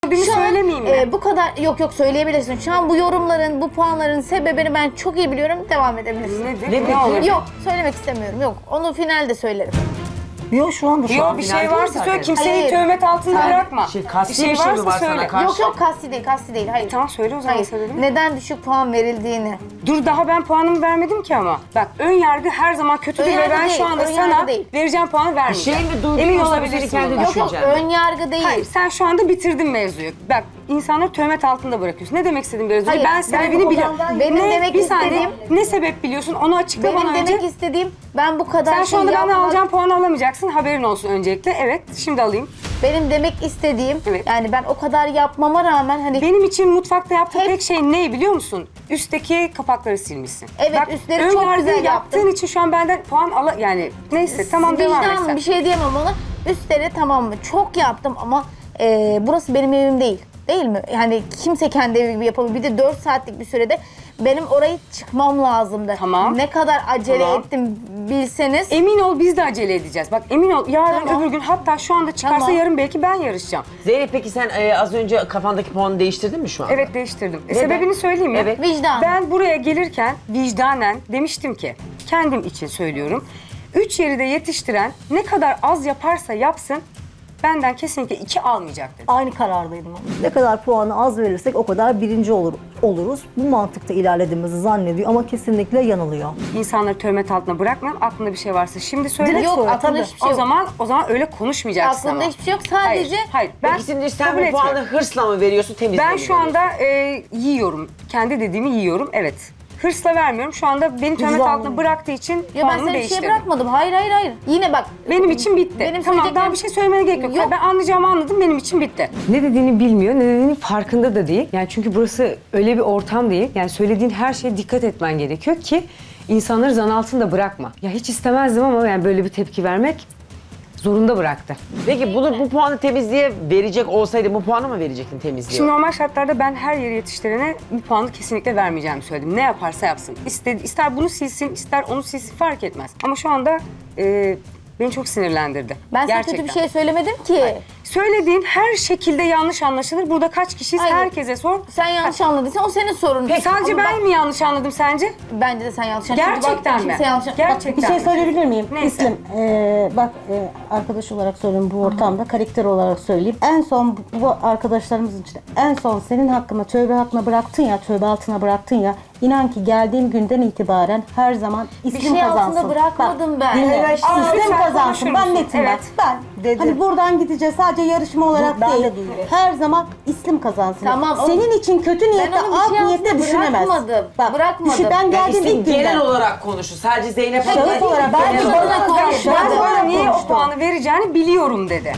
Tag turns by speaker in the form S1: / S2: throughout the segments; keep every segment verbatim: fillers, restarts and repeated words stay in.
S1: Gördüğümü
S2: Şu an,
S1: söylemeyeyim mi?
S2: e, bu kadar yok yok söyleyebilirsin. Şu an bu yorumların, bu puanların sebebini ben çok iyi biliyorum. Devam edebilirsin.
S1: Nedir?
S3: Ne
S1: Ne,
S3: peki?
S1: olur?
S2: Yok söylemek istemiyorum. Yok. Onu finalde söylerim.
S4: Yok şu anda şu
S1: Yok
S4: an
S1: bir
S3: final
S1: şey
S3: değil
S1: varsa
S3: zaten.
S1: söyle. Kimseyi
S2: Hayır.
S1: töhmet altında
S2: Sen-
S1: bırakma.
S3: Şey, kasti bir şey mi var sana karşı?
S2: Yok yok kasti değil, kasti değil. Hayır.
S1: Tamam söyle o zaman
S2: Hayır.
S1: sebebini.
S2: Neden düşük puan verildiğini.
S1: Dur daha ben puanımı vermedim ki ama. Bak ön yargı her zaman kötüdür
S2: Ön
S1: ve
S2: yargı
S1: ben
S2: değil,
S1: şu anda
S2: ön
S1: sana
S2: yargı değil.
S1: vereceğim puanı vermeyeceğim.
S3: Şey mi duydun
S1: Emin
S3: yoksa
S1: olabilirsin.
S3: biri kendi
S1: bundan.
S2: Yok yok
S3: Düşüncen.
S2: ön yargı değil.
S1: Hayır sen şu anda bitirdin mevzuyu. Bak insanları töhmet altında bırakıyorsun. Ne demek istediğim biraz önce?
S2: Hayır,
S1: Ben
S2: ben
S1: sebebini
S2: o
S1: biliyorum.
S2: konudan- Benim
S1: ne,
S2: demek
S1: bir saniye,
S2: istediğim-
S1: ne sebep biliyorsun onu açıkla
S2: Benim
S1: bana
S2: demek
S1: önce.
S2: istediğim ben bu kadar
S1: Sen şu
S2: şey
S1: anda benden
S2: yapmam-
S1: alacağım puanı alamayacaksın. Haberin olsun öncelikle. Evet şimdi alayım.
S2: Benim demek istediğim
S1: Evet.
S2: yani ben o kadar yapmama rağmen hani
S1: Benim için mutfakta yaptığın
S2: Hep-
S1: tek şey ne biliyor musun? Üstteki kapakları silmişsin.
S2: Evet, üstleri
S1: ön
S2: çok
S1: yargı
S2: güzel
S1: yaptığın
S2: yaptım.
S1: için şu an benden puan ala yani neyse tamam devam et
S2: vicdanım
S1: sen.
S2: bir şey diyemem ona. Üstleri tamam mı? Çok yaptım ama e, burası benim evim değil. Değil mi? Yani kimse kendi evi gibi yapabilir. Bir de dört saatlik bir sürede benim orayı çıkmam lazımdı.
S1: Tamam.
S2: Ne kadar acele
S1: Tamam.
S2: ettim bilseniz.
S1: Emin ol biz de acele edeceğiz. Bak emin ol yarın
S2: Tamam.
S1: öbür gün hatta şu anda çıkarsa
S2: Tamam.
S1: yarın belki ben yarışacağım.
S3: Zeynep peki sen e, az önce kafandaki puanı değiştirdin mi şu an?
S1: Evet değiştirdim. E,
S3: Neden?
S1: sebebini söyleyeyim mi?
S3: Evet.
S2: Vicdan.
S1: Ben buraya gelirken vicdanen demiştim ki kendim için söylüyorum. Üç yeri de yetiştiren ne kadar az yaparsa yapsın benden kesinlikle iki almayacak dedim.
S4: aynı karardaydım. Ne kadar puanı az verirsek o kadar birinci olur oluruz. Bu mantıkta ilerlediğimizi zannediyor ama kesinlikle yanılıyor.
S1: İnsanları töhmet altına bırakmayalım. Aklında bir şey varsa şimdi söyle.
S4: Direkt
S2: Yok
S4: söyle,
S2: aklımda
S4: tabii.
S2: hiçbir şey
S1: O
S2: yok.
S1: zaman o zaman öyle konuşmayacaksın
S2: Aklımda
S1: ama.
S2: hiçbir şey yok. Sadece
S1: Hayır, hayır. Ben
S3: Peki şimdi sen
S1: kabul
S3: bu puanı
S1: etmiyorum.
S3: hırsla mı veriyorsun temizle
S1: Ben
S3: mi
S1: şu
S3: veriyorsun?
S1: anda e, yiyorum. Kendi dediğimi yiyorum. Evet. Hırsla vermiyorum. Şu anda beni töhmet
S4: Vicdanlı.
S1: altına bıraktığı için
S2: ya ben
S1: puanımı
S2: sana bir şey
S1: değiştirdim.
S2: bırakmadım. Hayır hayır hayır. Yine bak.
S1: Benim için bitti.
S2: Benim
S1: tamam daha
S2: söyleyeceklerim-
S1: bir şey söylemene gerek yok.
S2: Yok.
S1: Ben anlayacağımı anladım. Benim için bitti.
S5: Ne dediğini bilmiyor, ne dediğinin farkında da değil. Yani çünkü burası öyle bir ortam değil. Yani söylediğin her şeye dikkat etmen gerekiyor ki insanları zan altında bırakma. Ya hiç istemezdim ama yani böyle bir tepki vermek zorunda bıraktı.
S3: Peki bunu bu puanı temizliğe verecek olsaydı bu puanı mı verecektin temizliğe?
S1: Şimdi normal şartlarda ben her yeri yetiştirene bu puanı kesinlikle vermeyeceğimi söyledim. Ne yaparsa yapsın. İster, ister bunu silsin, ister onu silsin fark etmez. Ama şu anda e, beni çok sinirlendirdi.
S2: Ben sana
S1: Gerçekten.
S2: kötü bir şey söylemedim ki.
S1: Söylediğin her şekilde yanlış anlaşılır. Burada kaç kişiyiz
S2: Hayır.
S1: herkese sor.
S2: Sen yanlış anladıysan o senin sorunun.
S1: Sadece
S2: Ama
S1: ben
S2: bak,
S1: mi yanlış anladım sence?
S2: Bence de sen yanlış anladın. Çünkü
S1: Gerçekten
S2: bak,
S1: mi?
S2: kimse yanlış
S1: Gerçekten.
S6: Bir şey söyleyebilir miyim?
S1: Neyse.
S6: İslim, e, bak e, arkadaş olarak söylüyorum bu ortamda, karakter olarak söyleyeyim. En son bu- bu arkadaşlarımızın içinde en son senin hakkında tövbe hakkına bıraktın ya, tövbe altına bıraktın ya. İnan ki geldiğim günden itibaren her zaman İslim
S2: şey
S6: kazansın.
S2: altında bırakmadım ben.
S6: Dinle.
S2: Evet,
S1: Aa,
S6: İslim
S1: lütfen
S6: kazansın.
S1: konuşur
S6: Ben
S1: musun?
S6: netim
S1: Evet.
S6: bak. Ben. Hani buradan gideceğiz sadece yarışma olarak
S4: ben de
S6: değil.
S4: değilim.
S6: Her zaman İslim kazansın.
S2: Tamam, o-
S6: Senin için kötü niyette,
S2: onu bir
S6: art
S2: şey
S6: niyette
S2: altında
S6: düşünemez.
S2: bırakmadım. Bırakmadım.
S6: düşün- ben
S3: Yani
S6: geldiğim
S3: İslim
S6: ilk günden.
S3: genel olarak konuşur. Sadece Zeynep
S6: Şahıs
S3: Hanım değil.
S6: olarak
S2: Ben
S6: ben
S2: de
S6: bana
S2: bana konuşmadım.
S1: Ben
S6: konuşmadım.
S1: sana niye o
S6: konuştum.
S1: puanı vereceğini biliyorum dedi.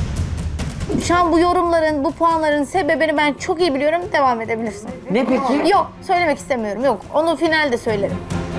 S2: Şu an bu yorumların, bu puanların sebebini ben çok iyi biliyorum. Devam edebilirsin.
S3: Ne peki?
S2: Yok, söylemek istemiyorum. Yok, onu finalde söylerim.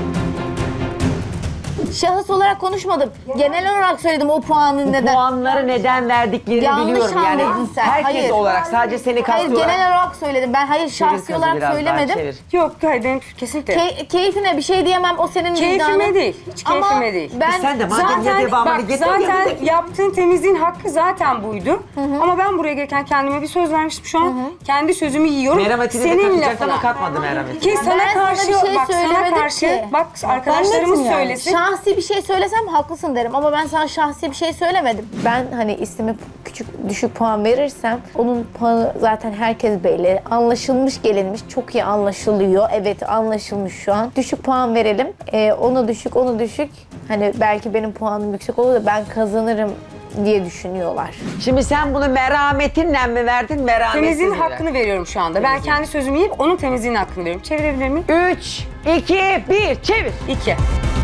S2: Şahıs olarak konuşmadım. Genel olarak söyledim o puanın
S3: Bu
S2: neden.
S3: puanları neden verdiklerini
S2: Yanlış
S3: biliyorum yani.
S2: anladın sen.
S3: Herkes
S2: Hayır.
S3: olarak sadece seni
S2: Hayır,
S3: kastıyorlar.
S2: genel olarak söyledim. Ben hayır
S3: Çevir
S2: şahsi
S3: kızı
S2: olarak
S3: biraz daha,
S2: söylemedim.
S3: çevir.
S1: Yok hayır benim kesinlikle.
S2: Key- keyfine bir şey diyemem. O senin
S1: Keyfime
S2: vicdanın.
S1: değil, hiç keyfime
S2: Ama
S1: değil.
S2: Ben
S3: Sen de madem
S1: Zaten
S3: ya devamını
S1: bak
S3: getir.
S1: zaten yaptığın temizliğin hakkı zaten buydu. Ama ben buraya gelirken kendime bir söz vermiştim şu an. Kendi sözümü yiyorum.
S3: Merhametini de
S1: Senin
S3: katacaktı ama
S1: lafına.
S3: katmadı merhameti.
S1: Ki sana
S2: Ben sana
S1: karşı
S2: bir şey
S1: bak sana
S2: söylemedim
S1: karşı
S2: ki.
S1: bak arkadaşlarımız
S6: netim yani?
S1: söylesin.
S2: şahsi bir şey söylesem haklısın derim ama ben sana şahsi bir şey söylemedim. Ben hani istime küçük düşük puan verirsem onun puanı zaten herkes belli. Anlaşılmış gelinmiş. Çok iyi anlaşılıyor. Evet anlaşılmış şu an. Düşük puan verelim. Ee, onu düşük onu düşük. Hani belki benim puanım yüksek olur da ben kazanırım diye düşünüyorlar.
S3: Şimdi sen bunu merhametinle mi verdin, merhametsiz
S1: Temizliğin
S3: mi
S1: hakkını veriyorum şu anda. Ben kendi sözümü yiyip onun temizliğinin hakkını veriyorum. Çevirebilir miyim?
S3: Üç, iki, bir, çevir.
S1: İki.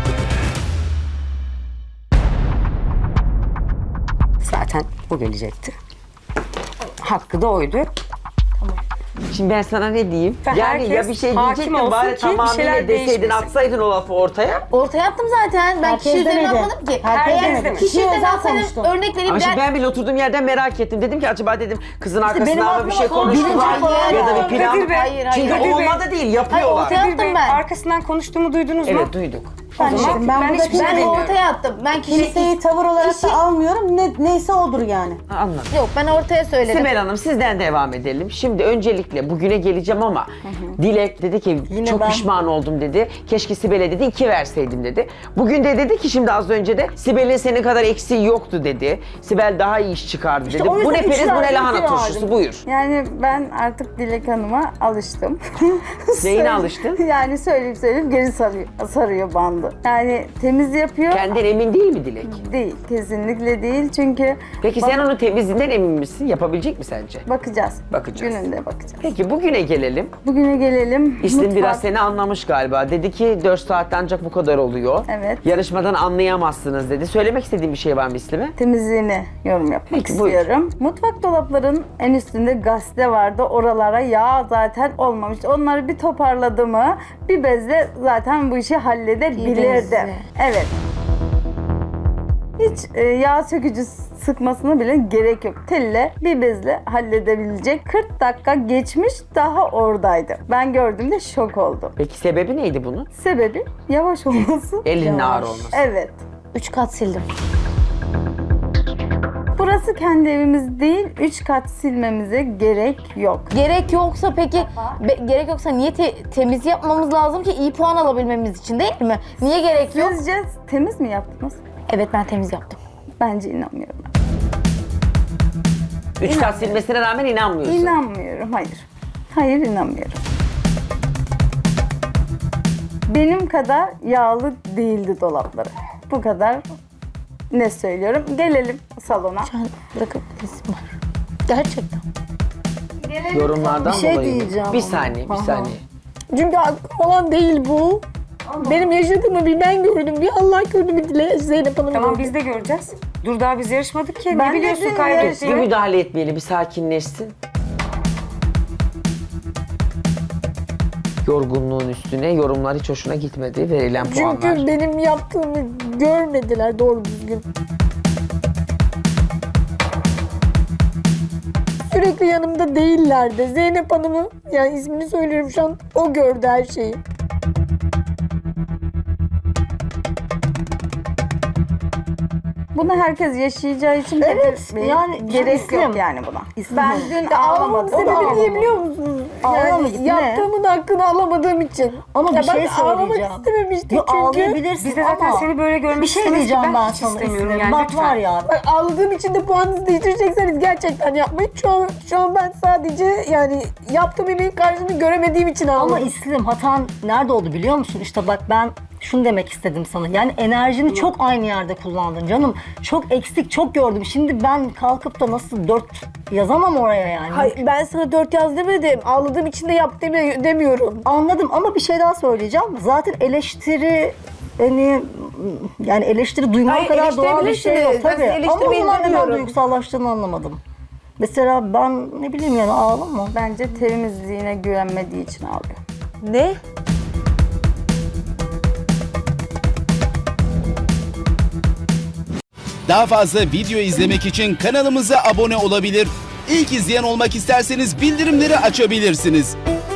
S1: Zaten bu gelecekti. Hakkı da oydu.
S3: Şimdi ben sana ne diyeyim?
S1: Ve
S3: Yani
S1: herkes
S3: ya bir şey
S1: hakim
S3: diyecektin
S1: olsun
S3: bari
S1: ki bir
S3: tamamıyla
S1: şeyler
S3: deseydin,
S1: değişmesin.
S3: atsaydın o lafı ortaya.
S2: Ortaya attım zaten. Ben
S6: Herkes
S2: kişi üzerine
S6: demedi.
S2: atmadım ki.
S6: Herkes
S2: Eğer
S1: demedi.
S2: kişi
S6: Kişi
S2: üzerine
S6: özel
S2: atsaydım
S6: konuştum.
S2: örnek vereyim.
S3: Ama şimdi
S2: ben-
S3: ben bile oturduğum yerden merak ettim. Dedim ki acaba dedim kızın arkasından
S6: benim
S3: mı bir şey
S6: aklıma
S3: konuştular
S2: Hayır.
S3: ya da bir plan.
S1: Kadir Bey,
S2: Hayır, hayır.
S3: Çünkü
S1: Kadir Bey.
S3: olmadı değil,
S2: Hayır,
S3: yapıyorlar.
S2: ortaya
S1: Kadir
S2: attım
S1: Bey,
S2: ben.
S1: arkasından konuştuğumu duydunuz mu?
S3: Evet duyduk.
S6: Ben,
S1: O zaman
S6: işte, ben,
S1: ben
S6: burada
S1: hiçbir şey
S2: Ben
S1: demiyorum.
S2: ortaya attım. Ben kişi,
S6: kimseyi tavır olarak
S2: kişi-
S6: da almıyorum. Ne, neyse odur yani.
S3: Anladım.
S2: Yok, ben ortaya söyledim.
S3: Sibel Hanım sizden devam edelim. Şimdi öncelikle bugüne geleceğim ama Dilek dedi ki
S4: Yine
S3: çok
S4: ben.
S3: pişman oldum dedi. Keşke Sibel'e dedi iki verseydim dedi. Bugün de dedi ki şimdi az önce de Sibel'in senin kadar eksiği yoktu dedi. Sibel daha iyi iş çıkardı dedi.
S4: o
S3: Bu
S4: yüzden
S3: ne periz
S4: üç
S3: bu ne
S4: verdim,
S3: lahana
S4: iki
S3: turşusu
S4: verdim.
S3: buyur.
S7: Yani ben artık Dilek Hanım'a alıştım.
S3: Neyine
S7: Söyle-
S3: alıştın?
S7: Yani söyleyip söyleyip geri sarıyor, sarıyor bandı. Yani temiz yapıyor.
S3: Kendinden emin değil mi Dilek?
S7: Değil, kesinlikle değil. Çünkü
S3: Peki
S7: bak-
S3: sen onun temizliğinden emin misin? Yapabilecek mi sence?
S7: bakacağız.
S3: Bakacağız.
S7: Gününde bakacağız.
S3: Peki bugüne gelelim.
S7: Bugüne gelelim.
S3: İslim
S7: Mutfak-
S3: biraz seni anlamış galiba. Dedi ki dört saatte ancak bu kadar oluyor.
S7: Evet.
S3: Yarışmadan anlayamazsınız dedi. Söylemek istediğin bir şey var mı İslim'e?
S7: temizliğine yorum yapmak
S3: Peki, buyur.
S7: istiyorum. Mutfak dolapların en üstünde gazete vardı. Oralara yağ zaten olmamış. Onları bir toparladı mı bir bezle zaten bu işi
S2: Bir
S7: halledebilirdi.
S2: bezle.
S7: Evet. Hiç e, yağ sökücü sıkmasına bile gerek yok. Telle bir bezle halledebilecek. kırk dakika geçmiş daha oradaydı. Ben gördüğümde şok oldum.
S3: Peki sebebi neydi bunun?
S7: Sebebi yavaş olması.
S3: Elinin ağır olması.
S7: Evet.
S2: Üç kat sildim.
S7: Burası kendi evimiz değil, üç kat silmemize gerek yok.
S2: Gerek yoksa peki, be- gerek yoksa niye te- temiz yapmamız lazım ki iyi puan alabilmemiz için değil mi? Niye gerek yok?
S7: Sizce temiz mi yaptınız?
S2: Evet, ben temiz yaptım.
S7: Bence inanmıyorum.
S3: Üç kat silmesine rağmen inanmıyorsun.
S7: İnanmıyorum, hayır. Hayır, inanmıyorum. Benim kadar yağlı değildi dolapları. Bu kadar ne söylüyorum. Gelelim salona.
S2: Ben bırakabilirsin var. Gerçekten.
S3: Yorumlardan
S4: Bir şey
S3: dolayı.
S4: diyeceğim
S3: Bir
S4: ama.
S3: saniye, bir
S4: Aha.
S3: saniye.
S2: Çünkü hakkım olan değil bu. Benim yaşadığımı bir ben gördüm, bir Allah gördü, bir Dile Zeynep Hanım
S1: Tamam
S2: gördü.
S1: biz de göreceğiz. Dur daha biz yarışmadık ki.
S7: Ben
S1: ne
S7: de
S1: biliyorsun
S7: dün
S3: Bir
S1: kaybettiğini?
S3: müdahale etmeyeli, bir sakinleşsin. Yorgunluğun üstüne yorumlar hiç hoşuna gitmedi. Verilen puanlar.
S2: Çünkü benim yaptığımı görmediler doğru düzgün. Sürekli yanımda değillerdi. Zeynep Hanım'ı, yani ismini söylüyorum şu an, o gördü her şeyi.
S7: Bunu herkes yaşayacağı için
S4: Evet,
S7: belirtmeye
S4: yani
S7: gerek
S4: İslim.
S7: yok yani buna.
S4: İslim.
S7: Ben dün
S2: Ağlamamın
S7: ağlamadım.
S2: sebebi niye biliyor musunuz?
S4: Ağlama
S2: Yani
S4: git, ne?
S2: yaptığımın hakkını alamadığım için.
S4: Ama bir
S2: Ya
S4: şey
S2: ben ağlamak
S4: söyleyeceğim.
S2: istememiştim
S4: Yo,
S2: çünkü.
S4: ağlayabilirsin
S1: Biz de zaten
S4: ama
S1: seni böyle görmek
S4: bir şey
S1: istemeyiz ki
S4: diyeceğim ben
S1: hiç
S4: sana
S1: istemiyorum
S4: İslim.
S1: yani,
S4: Bak
S1: lütfen.
S4: var ya.
S2: Bak, ağladığım için de puanınızı değiştirecekseniz gerçekten yapmayın. Şu an, şu an ben sadece yani yaptığım emeğin karşılığını göremediğim için ağladım.
S4: Ama İslim hatan nerede oldu biliyor musun? İşte bak ben şunu demek istedim sana. Yani enerjini çok aynı yerde kullandın canım. Çok eksik, çok gördüm. Şimdi ben kalkıp da nasıl dört yazamam oraya yani.
S2: Hayır, ben sana dört yaz demedim. Ağladığım için de yap deme- demiyorum.
S4: Anladım ama bir şey daha söyleyeceğim. Zaten eleştiri hani yani eleştiri duyman
S2: Hayır,
S4: kadar doğal bir şey yok
S2: eleştirebilirsiniz. Ben
S4: tabii.
S2: sizi
S4: Ama o
S2: eleştirmeyin
S4: zaman neden
S2: demiyorum.
S4: duygusallaştığını anlamadım. Mesela ben ne bileyim yani ağlama.
S7: Bence temizliğine güvenmediği için ağlıyor.
S2: Ne?
S8: Daha fazla video izlemek için kanalımıza abone olabilir. İlk izleyen olmak isterseniz bildirimleri açabilirsiniz.